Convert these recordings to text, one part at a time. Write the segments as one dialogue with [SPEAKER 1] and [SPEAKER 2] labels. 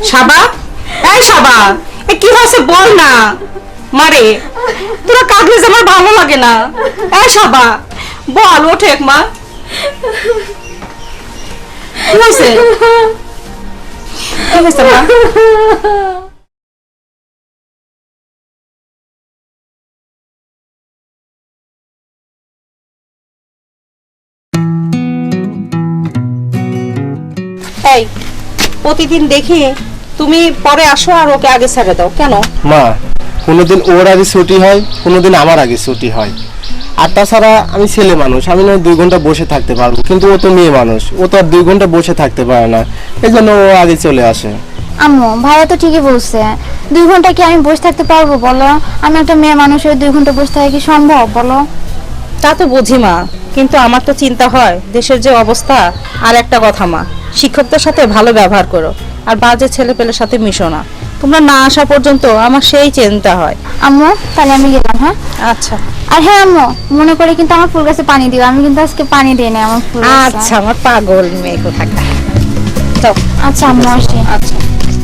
[SPEAKER 1] সাবা, এই সাবা, কি হয়েছে বল না। মারে তোরা কাঁদলে যে আমার ভালো লাগে না। এই সাবা বল, ওঠে মা। কি হয়েছে? কি হয়েছে মা? এই প্রতিদিন দেখি তুমি পরে আসো আর ওকে আগে ছেড়ে দাও কেন?
[SPEAKER 2] মা, কোনোদিন ওর আগে ছুটি হয়, কোনোদিন আমার আগে ছুটি হয়। আর তাছাড়া আমি ছেলে মানুষ, আমি না 2 ঘন্টা বসে থাকতে পারবো, কিন্তু ও তো মেয়ে মানুষ, ও তো আর 2 ঘন্টা বসে থাকতে পারে না, এই জন্য ও আগে চলে আসে।
[SPEAKER 3] আম্মু ভাইয়া তো ঠিকই বলছে, 2 ঘন্টা কি আমি বসে থাকতে পারবো বলো? আমি একটা মেয়ে মানুষের 2 ঘন্টা বসে থাকা কি সম্ভব বলো?
[SPEAKER 1] তা তো বুঝি মা, কিন্তু আমার তো চিন্তা হয় দেশের যে অবস্থা। আর একটা কথা মা, শিক্ষকদের সাথে ভালো ব্যবহার করো, আর বাজে ছেলে পেলের সাথে মিশো না। তোমরা না আসা পর্যন্ত আমার সেই চিন্তা হয়।
[SPEAKER 3] আম্মু তাহলে আমি গেলাম। হ্যাঁ
[SPEAKER 1] আচ্ছা
[SPEAKER 3] আর হ্যাঁ আম্মু, মনে করে কিন্তু আমার ফুল গাছে পানি দিও, আমি কিন্তু আজকে পানি দিই না আমার ফুল গাছে।
[SPEAKER 1] আচ্ছা, আমার পাগল মেয়ে কোথাকার। যাও।
[SPEAKER 3] আচ্ছা আম্মু আসি।
[SPEAKER 1] আচ্ছা।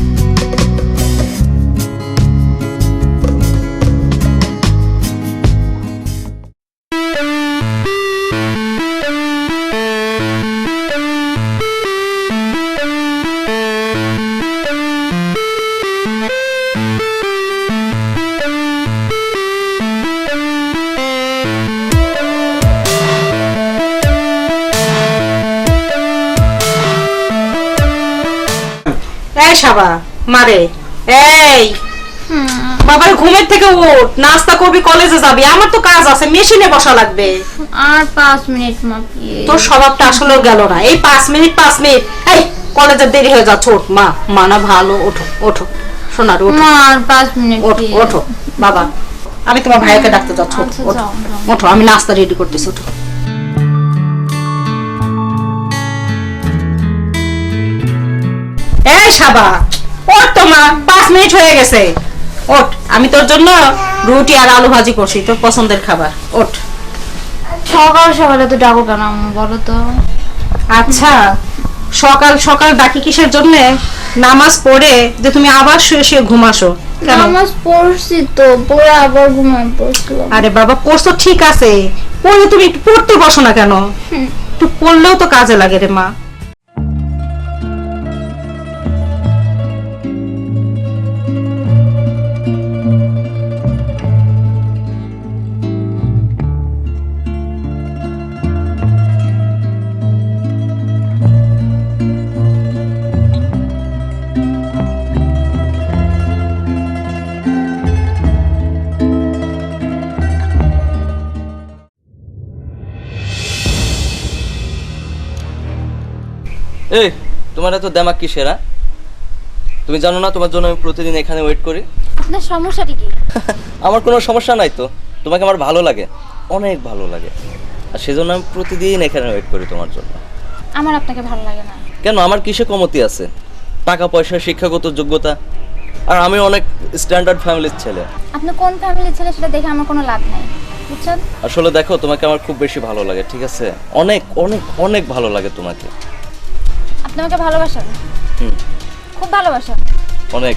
[SPEAKER 1] এই সাবা মারে, এই বাবার ঘুমের থেকে উঠ, নাস্তা করবি, কলেজে যাবি। আমার তো কাজ আছে, মেশিনে বসা লাগবে।
[SPEAKER 3] আর 5 মিনিট মা প্লিজ।
[SPEAKER 1] তোর স্বভাবটা আসলেও গেল না। এই 5 মিনিট 5 মিনিট, এই কলেজে দেরি হয়ে যাচ্ছে। ওঠ মা, মানা ভালো, ওঠো ওঠো সোনার, ওঠো
[SPEAKER 3] মা আর 5 মিনিট
[SPEAKER 1] ওঠো ওঠো। বাবা আমি তোমার ভাইকে ডাকতে যাচ্ছি, ওঠো
[SPEAKER 3] আচ্ছা,
[SPEAKER 1] ওঠো
[SPEAKER 3] যাও, যাও।
[SPEAKER 1] ওঠো, আমি নাস্তা রেডি করতেছি, ওঠো। এই সাবা ওঠ তো মা, 5 মিনিট হয়ে গেছে। ওঠ, আমি তোর জন্য রুটি আর আলু ভাজি করছি, তোর পছন্দের খাবার। ওঠ।
[SPEAKER 3] সকাল সকালে তো ডাকো কেন আম্মু বলো তো?
[SPEAKER 1] আচ্ছা, সকাল সকাল ডাকি কিসের জন্য? নামাজ পড়ে যে তুমি আবার শুয়ে শুয়ে ঘুমাসো কেন?
[SPEAKER 3] নামাজ পড়ছি তো, পড়ে আবার ঘুমায় পড়ছিলাম।
[SPEAKER 1] আরে বাবা, পড়ছো ঠিক আছে, পড়লে তুমি একটু পড়তে বসো না কেন? একটু পড়লেও তো কাজে লাগে রে মা।
[SPEAKER 4] এই তোমার এত দেমাক কিসের? তুমি জানো না তোমার জন্য আমি প্রতিদিন এখানে ওয়েট করি?
[SPEAKER 3] আপনার সমস্যাটা কি?
[SPEAKER 4] আমার কোনো সমস্যা নাই তো, তোমাকে আমার ভালো লাগে, অনেক ভালো লাগে, আর সেজন্য আমি প্রতিদিন এখানে ওয়েট করি তোমার জন্য।
[SPEAKER 3] আমার আপনাকে ভালো লাগে না
[SPEAKER 4] কেন? আমার কিসে কমতি আছে? টাকা পয়সা, শিক্ষাগত যোগ্যতা, আর আমি অনেক স্ট্যান্ডার্ড ফ্যামিলির ছেলে।
[SPEAKER 3] আপনি কোন ফ্যামিলির ছেলে সেটা দেখে আমার কোনো লাভ নাই, বুঝছেন?
[SPEAKER 4] আসলে দেখো, তোমাকে আমার খুব বেশি ভালো লাগে, ঠিক আছে? অনেক অনেক অনেক ভালো লাগে তোমাকে।
[SPEAKER 3] আপনি আমাকে ভালোবাসেন?
[SPEAKER 4] হুম,
[SPEAKER 3] খুব ভালোবাসেন?
[SPEAKER 4] অনেক।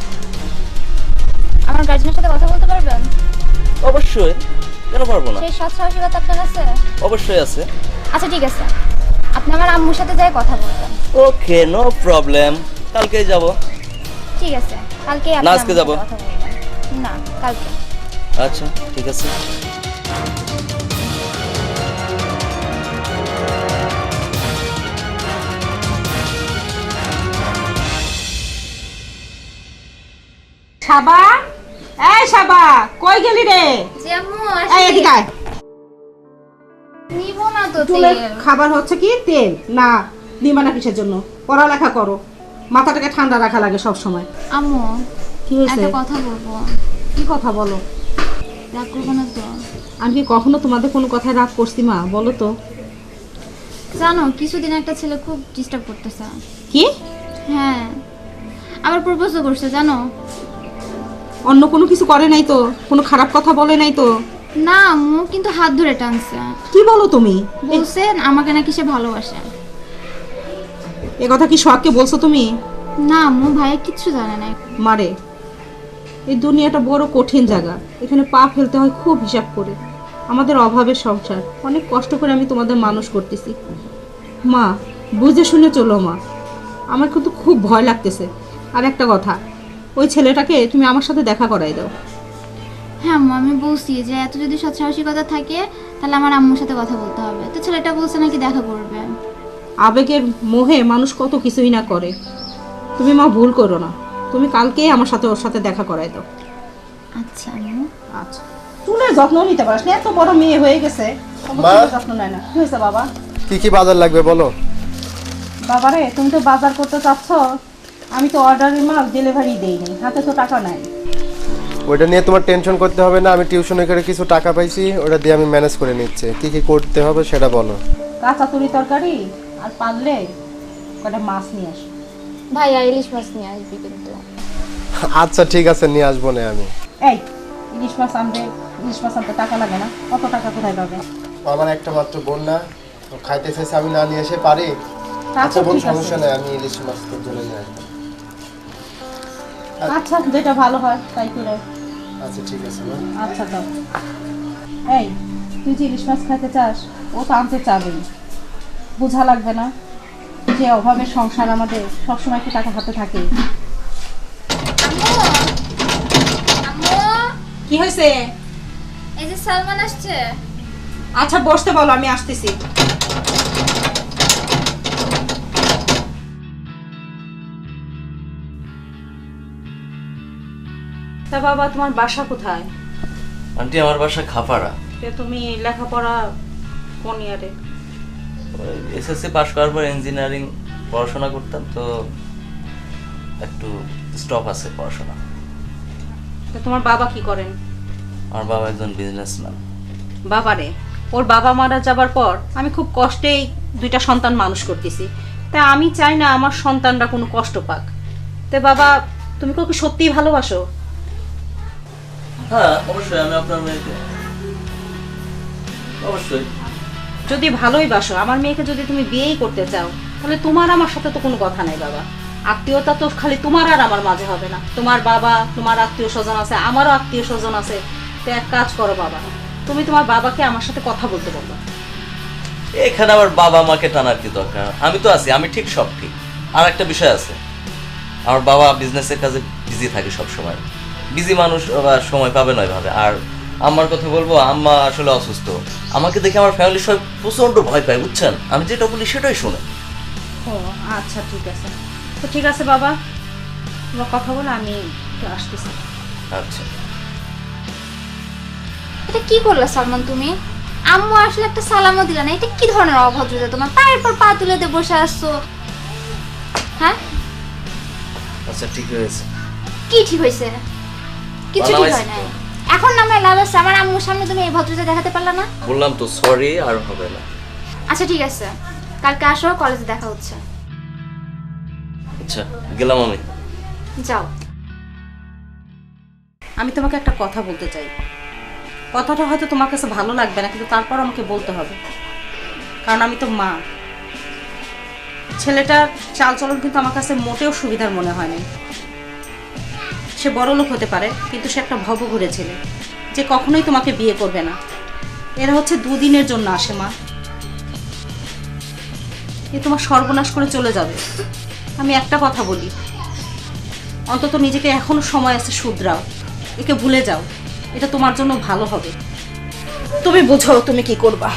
[SPEAKER 3] আমার গার্জেনের সাথে কথা বলতে পারবেন?
[SPEAKER 4] অবশ্যই, কেন পারবো না?
[SPEAKER 3] সেই সৎ সাহসিকতা আপনার আছে?
[SPEAKER 4] অবশ্যই আছে।
[SPEAKER 3] আচ্ছা ঠিক আছে, আপনি আমার আম্মুর সাথে যাই কথা বলবেন।
[SPEAKER 4] ওকে, নো প্রবলেম, কালকেই যাব।
[SPEAKER 3] ঠিক আছে, কালকে আপনি
[SPEAKER 4] না, আজকে
[SPEAKER 3] আম্মুর
[SPEAKER 4] যাবো।
[SPEAKER 3] সাথে কথা বলবেন। না, কালকে।
[SPEAKER 4] আচ্ছা ঠিক আছে।
[SPEAKER 1] সাবা, এই সাবা, কই গেলি রে?
[SPEAKER 3] জি আম্মু
[SPEAKER 1] এই এদিকে আয়।
[SPEAKER 3] নিব না তো
[SPEAKER 1] চুলের
[SPEAKER 3] তেল।
[SPEAKER 1] খাবার হচ্ছে কি তেল? না দিবা না কিসের জন্য? পড়ালেখা করো, মাথাটাকে ঠান্ডা রাখা লাগে সব সময়।
[SPEAKER 3] আম্মু
[SPEAKER 1] কি হয়েছে?
[SPEAKER 3] একটা কথা বলবো।
[SPEAKER 1] কি কথা বলো?
[SPEAKER 3] রাগ করবো না তো?
[SPEAKER 1] আমি কি কখনো তোমাদের কোনো কথায় রাগ করছি মা? বলো তো।
[SPEAKER 3] জানো কিছুদিন একটা ছেলে খুব ডিস্টার্ব করতেছে।
[SPEAKER 1] কি?
[SPEAKER 3] হ্যাঁ, আবার প্রপোজও করছে জানো।
[SPEAKER 1] অন্য কোনো কিছু করে নাই তো? কোনো খারাপ কথা বলে নাই তো?
[SPEAKER 3] না আম্মু, কিন্তু হাত ধরে টানছে।
[SPEAKER 1] কি বলো তুমি?
[SPEAKER 3] বলছেন আমাকে নাকি সে ভালোবাসে।
[SPEAKER 1] এ কথা কি সোহাগকে বলছো তুমি?
[SPEAKER 3] না আম্মু, ভাইয়া কিচ্ছু জানে না।
[SPEAKER 1] মারে, এই দুনিয়াটা বড় কঠিন জায়গা, এখানে পা ফেলতে হয় খুব হিসাব করে। আমাদের অভাবের সংসার, অনেক কষ্ট করে আমি তোমাদের মানুষ করতেছি। মা, বুঝে শুনে চলো মা, আমার কিন্তু খুব ভয় লাগতেছে। আর একটা কথা, ওই ছেলেটাকে তুমি আমার সাথে দেখা করাই দাও।
[SPEAKER 3] হ্যাঁ আম্মু, আমি বলছি যে এত যদি সৎসাহসিকতা থাকে তাহলে আমার আম্মুর সাথে কথা বলতে হবে। তো ছেলেটা বলছে নাকি দেখা করবে।
[SPEAKER 1] আবেগের মোহে মানুষ কত কিছুই না করে। তুমি মা ভুল করো না, তুমি কালকেই আমার সাথে ওর সাথে দেখা করাই দাও।
[SPEAKER 3] আচ্ছা আম্মু।
[SPEAKER 1] আচ্ছা, চুলের যত্ন নিতে পারিস না, এত বড় মেয়ে হয়ে গেছে, তবু
[SPEAKER 2] মা?
[SPEAKER 1] চুলের যত্ন নেয় না। কি হয়েছে বাবা?
[SPEAKER 2] কি কি বাজার লাগবে বলো?
[SPEAKER 1] বাবারে, তুমি তো বাজার করতে চাচ্ছ, আমি তো অর্ডারের মাল ডেলিভারি দেইনি, হাতে তো টাকা নাই।
[SPEAKER 2] ওইটা নিয়ে তোমার টেনশন করতে হবে না, আমি টিউশনে করে কিছু টাকা পাইছি, ওটা দিয়ে আমি ম্যানেজ করে নিচ্ছি। কি কি করতে হবে সেটা বলো।
[SPEAKER 1] কাঁচা তুরি তরকারি আর পারলে কটা মাছ নিয়ে আসো।
[SPEAKER 3] ভাইয়া ইলিশ মাছ নিয়ে আসবি কিন্তু।
[SPEAKER 2] আচ্ছা ঠিক আছে, নিয়ে আসবো না আমি।
[SPEAKER 1] এই, ইলিশ মাছ আনতে টাকা লাগে না? কত টাকা কোথায় পাবে?
[SPEAKER 2] আমার একটা মাত্র বোন না, তো খাইতে চাইছে, আমি না নিয়ে এসে পারি? আচ্ছা বোন,
[SPEAKER 1] ঠিক আছে।
[SPEAKER 2] সমস্যা নেই, আমি ইলিশ মাছ তোর জন্য নিয়ে আসবো।
[SPEAKER 1] আচ্ছা, যেটা ভালো হয় তাই করে।
[SPEAKER 2] আচ্ছা ঠিক আছে মা।
[SPEAKER 1] আচ্ছা তো, এই, তুই যে ইলিশ মাছ খাইতে চাস, ও তো আনতে চাবেই, বোঝা লাগবে না যে অভাবের সংসার আমাদের, সবসময় কি টাকা হাতে থাকে?
[SPEAKER 3] আম্মু,
[SPEAKER 1] কি হয়েছে?
[SPEAKER 3] এই যে সালমান আসছে।
[SPEAKER 1] আচ্ছা বসতে বলো, আমি আসতেছি। তা বাবা, তোমার বাসা কোথায়?
[SPEAKER 4] আন্টি আমার বাসা খাপাড়া।
[SPEAKER 1] তুমি লেখাপড়া কোন ইয়ারে?
[SPEAKER 4] এসএসসি পাশ করার পর ইঞ্জিনিয়ারিং পড়াশোনা করতাম, তো একটু স্টপ আছে পড়াশোনা।
[SPEAKER 1] তা তোমার বাবা কি করেন?
[SPEAKER 4] আমার বাবা একজন বিজনেসম্যান।
[SPEAKER 1] বাবারে, ওর বাবা মারা যাবার পর আমি খুব কষ্টেই দুইটা সন্তান মানুষ করতেছি। তা আমি চাই না আমার সন্তানরা কোনো কষ্ট পাক। তে বাবা, তুমি কি ওকে সত্যিই ভালোবাসো?
[SPEAKER 4] হ্যাঁ অবশ্যই, আমি আপনার মেয়েকে অবশ্যই।
[SPEAKER 1] যদি ভালোই বাসো, আমার মেয়েকে যদি তুমি বিয়েই করতে চাও, তাহলে তোমার আমার সাথে তো কোনো কথা নাই বাবা। আত্মীয়তা তো খালি তোমার আর আমার মাঝে হবে না। তোমার বাবা, তোমার আত্মীয় স্বজন আছে, আমারও আত্মীয় স্বজন আছে। তো এক কাজ করো বাবা, তুমি তোমার বাবাকে আমার সাথে কথা বলতে বলো।
[SPEAKER 4] এখানে আবার বাবা মাকে টানার কি দরকার? আমি তো আছি, আমি ঠিক সব ঠিক। আর একটা বিষয় আছে, আমার বাবা বিজনেসের কাজে বিজি থাকে সব সময়। বিজি মানুষ আবার সময় পাবে না এভাবে। আর আম্মার কথা বলবো, আম্মা আসলে অসুস্থ। আমাকে দেখে আমার ফ্যামিলির সবাই প্রচন্ড ভয় পায়, বুঝছেন? আমি যেটা বলি সেটাই শুনে।
[SPEAKER 1] ও আচ্ছা, ঠিক আছে। তো ঠিক আছে বাবা, তোমার কথা বলে আমি একটু আসতেছি।
[SPEAKER 4] আচ্ছা,
[SPEAKER 3] এটা কি করলা সালমান তুমি? আম্মু আসলে একটা সালামও দিলা না। এটা কি ধরনের অভদ্রতা তোমার? পায়ের পর পা তুলে দিয়ে বসে আসছো। হ্যাঁ,
[SPEAKER 4] আচ্ছা ঠিক হয়েছে।
[SPEAKER 3] কি ঠিক হয়েছে? কিছু ঠিক হয় নাই। এখন নামে লাভ আছে? আমার আম্মুর সামনে তুমি এই ভদ্রতা দেখাতে পারলা না?
[SPEAKER 4] বললাম তো সরি, আর হবে না।
[SPEAKER 3] আচ্ছা ঠিক আছে, কালকে আসো, কলেজে দেখা হচ্ছে।
[SPEAKER 4] আচ্ছা গেলাম আমি।
[SPEAKER 3] যাও।
[SPEAKER 1] আমি তোমাকে একটা কথা বলতে চাই। কথাটা হয়তো তোমার কাছে ভালো লাগবে না, কিন্তু তারপর আমাকে বলতে হবে, কারণ আমি তো মা। ছেলেটার চালচলন কিন্তু আমার কাছে মোটেও সুবিধার মনে হয় না। সে বড় লোক হতে পারে, কিন্তু সে একটা ভবঘুরে ছেলে, যে কখনোই তোমাকে বিয়ে করবে না। এরা হচ্ছে দুদিনের জন্য আসে মা, এ তোমার সর্বনাশ করে চলে যাবে। আমি একটা কথা বলি, অন্তত নিজেকে এখনো সময় আছে, শুধরাও, একে ভুলে যাও। এটা তোমার জন্য ভালো হবে। তুমি বুঝো তুমি কি করবা।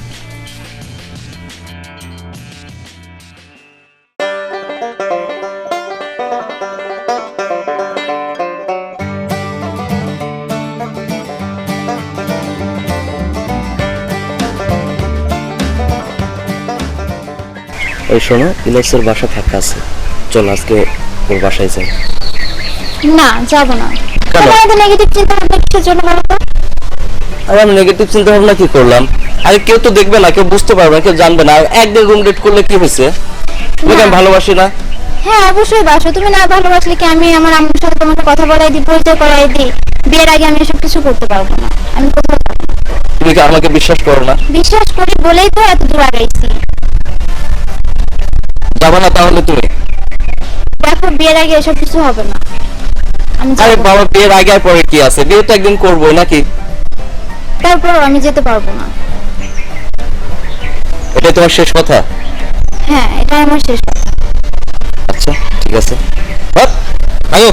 [SPEAKER 4] ওই শোনো, ইলেক্সের বাসা ফাঁকা আছে, চল আজকে ওর বাসায় যাই।
[SPEAKER 3] না, যাব না।
[SPEAKER 4] কেন?
[SPEAKER 3] তোমার এত নেগেটিভ চিন্তা ভাবনা কিসের জন্য বলো তো?
[SPEAKER 4] আর আমি নেগেটিভ চিন্তা ভাবনা কি করলাম? আরে কেউ তো দেখবে না, কেউ বুঝতে পারবে না, কেউ জানবে না। আর একদিন রুম ডেট করলে কি হয়েছে? তুমি আমি ভালোবাসি না?
[SPEAKER 3] হ্যাঁ অবশ্যই বাসো। তুমি না ভালোবাসলে কি আমি আমার আম্মুর সাথে তোমাকে কথা বলাই দিই, পরিচয় করাই দিই? বিয়ের আগে আমি এসব কিছু করতে পারবো না। আমি কোথাও যাবো না।
[SPEAKER 4] তুমি কি আমাকে বিশ্বাস করো না?
[SPEAKER 3] বিশ্বাস করি বলেই তো এত দূর আগাইছি।
[SPEAKER 4] যাবে না তাহলে তুমি?
[SPEAKER 3] দেখো বিয়ের আগে এসব কিছু হবে না। আমি
[SPEAKER 4] আরে
[SPEAKER 3] যাবো।
[SPEAKER 4] বাবা, বিয়ের আগে আর পরে কি আছে? বিয়ে তো একদিন করবোই নাকি?
[SPEAKER 3] তারপর আমি যেতে পারবো না।
[SPEAKER 4] এটাই তোমার শেষ কথা?
[SPEAKER 3] হ্যাঁ, এটা আমার শেষ কথা।
[SPEAKER 4] আচ্ছা ঠিক আছে, আয়ো।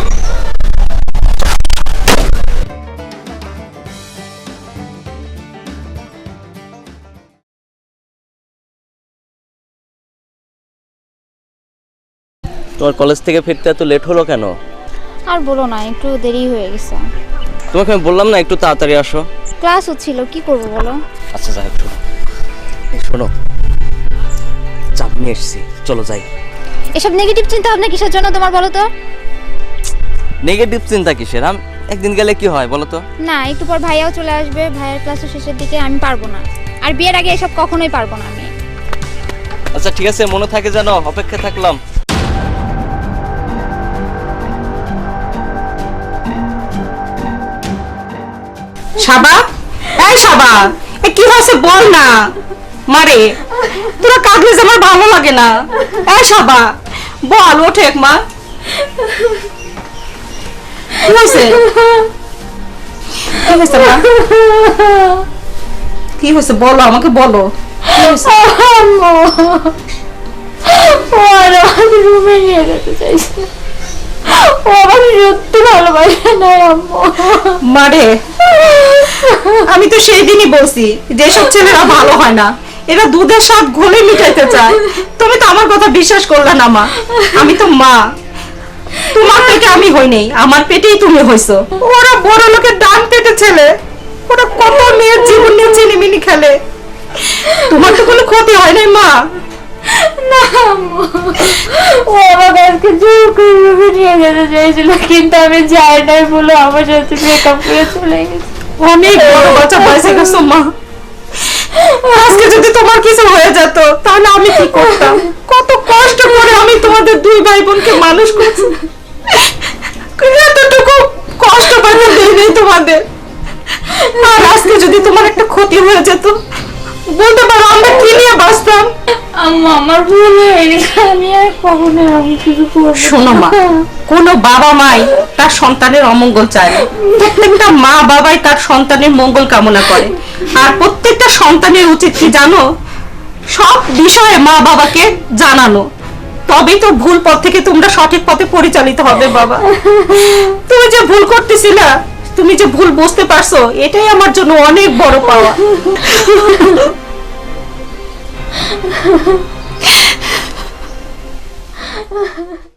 [SPEAKER 4] তোমার কলেজ থেকে ফিরতে এত লেট হলো কেন?
[SPEAKER 3] আর বলো না, একটু দেরি হয়ে গেছে।
[SPEAKER 4] তোমাকে আমি বললাম না একটু তাড়াতাড়ি আসো।
[SPEAKER 3] ক্লাস হচ্ছিল, কি করবো বলো?
[SPEAKER 4] আচ্ছা যাই হোক, শোনো এই শোনো, চাপ নিয়ে এসছি, চলো যাই।
[SPEAKER 3] এসব নেগেটিভ চিন্তা ভাবনা কিসের জন্য তোমার বলো তো?
[SPEAKER 4] নেগেটিভ চিন্তা কিসের? আমি একদিন গেলে কি হয় বলো তো?
[SPEAKER 3] না, একটু পর ভাইয়াও চলে আসবে, ভাইয়ের ক্লাসের শেষের দিকে, আমি পারবো না। আর বিয়ের আগে এসব কখনোই পারবো না আমি।
[SPEAKER 4] আচ্ছা ঠিক আছে, মনে থাকে জানো, অপেক্ষা থাকলাম।
[SPEAKER 1] সাবা, এই সাবা, এ কি হয়েছে বল না। মারে, তোরা কাঁদলে যে আমার ভালো লাগে না। এই সাবা, বল, ওঠে মা। কি হয়েছে? কি হয়েছে মা? কি হয়েছে বলো, আমাকে বলো। কি হয়েছে?
[SPEAKER 3] ও আর আমাকে রুমে নিয়ে যেতে চাইছে। ও আমাকে সত্যি ভালোবাসে না আম্মু।
[SPEAKER 1] মারে, আমি তো সেই দিনই বলছি যে সব ছেলেরা ভালো হয় না, এরা দুধের স্বাদ ঘোলে মিটাইতে চায়। তুমি তো আমার কথা বিশ্বাস করলে না মা। আমি তো মা, তোমার পেটে আমি হই নাই, আমার পেটেই তুমি হইছো। ওরা বড় লোকের ডান পেটে ছেলে, ওরা কত মেয়ের জীবন নিয়ে চিনিমিনি খেলে। তোমার তো কোনো ক্ষতি হয় নাই মা।
[SPEAKER 3] না আম্মু, ও আমাকে আজকে জোর করে রুমে নিয়ে যেতে চাইছিল, কিন্তু আমি যাই নাই বলে আমার সাথে ব্রেকআপ করে চলে গেছে।
[SPEAKER 1] অনেক বড় বাচ্চা বয়সে গেছো মা। আজকে যদি তোমার কিছু হয়ে যেত তাহলে আমি কি করতাম? কত কষ্ট করে আমি তোমাদের দুই ভাই বোনকে মানুষ করছি, এতটুকু কষ্ট পাইতে দেই নাই তোমাদের। আর আজকে যদি তোমার একটা ক্ষতি হয়ে যেত, বলতে পারো আমরা কি নিয়ে বাঁচতাম?
[SPEAKER 3] আম্মু, আমার ভুল হয়ে গেছে, আমি আর কখনো এরকম কিছু করবো না।
[SPEAKER 1] শোনো মা, কোনো বাবা মাই তার সন্তানের অমঙ্গল চায় না। প্রত্যেকটা মা বাবাই তার সন্তানের মঙ্গল কামনা করে। আর প্রত্যেকটা সন্তানের উচিত কি জানো? সব বিষয়ে মা বাবাকে জানানো, তবেই তো ভুল পথ থেকে তোমরা সঠিক পথে পরিচালিত হবে বাবা। তুমি যে ভুল করতেছিলা, তুমি যে ভুল বুঝতে পারছো, এটাই আমার জন্য অনেক বড় পাওয়া।